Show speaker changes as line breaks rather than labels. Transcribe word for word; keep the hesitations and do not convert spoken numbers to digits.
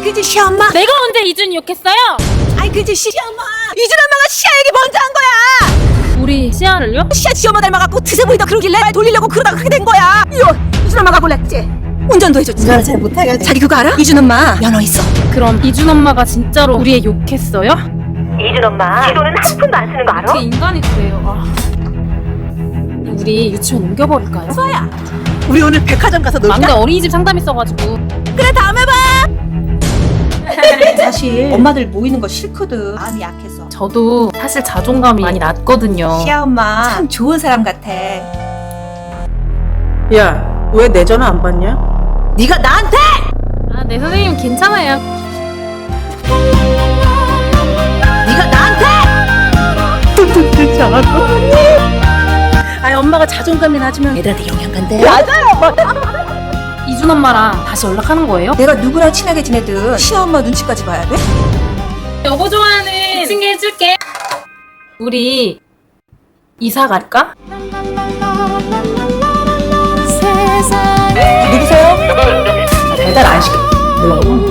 그지 시엄마.
내가 언제 이준이 욕했어요?
아이 그지 시엄마. 이준 엄마가 시아 얘기 먼저 한 거야.
우리 시아를요?
시아 지엄마 닮아갖고 드세 보이다 그러길래 말 돌리려고 그러다가 그렇게 된 거야. 이거 이준 엄마가 골랐지. 운전도 해줬지.
운전을 잘 못해가지고.
자기 그거 알아? 이준 엄마 면허 있어.
그럼 이준 엄마가 진짜로 우리 애 욕했어요?
이준 엄마 지 돈은 한 푼도 안 쓰는 거 알아?
어떻게 인간이 그래요? 아. 우리 유치원 옮겨버릴까요?
소야.
우리 오늘 백화점 가서 놀자.
막내 어린이집 상담 있어가지고.
그래 다음에 봐.
사실 엄마들 모이는 거 싫거든. 마음이 약해서.
저도 사실 자존감이 많이 낮거든요.
시아 엄마 참 좋은 사람 같아.
야, 왜 내 전화 안 받냐?
네가 나한테!
아, 네 선생님 괜찮아요.
네가 나한테!
아니, 엄마가 자존감이 낮으면 애들한테 영향 간대.
이준 엄마랑 다시 연락하는 거예요?
내가 누구랑 친하게 지내든 시아 엄마 눈치까지 봐야 돼?
여보 좋아하는 칭게 해줄게. 우리 이사 갈까?
누구세요? 배달 안 시켜.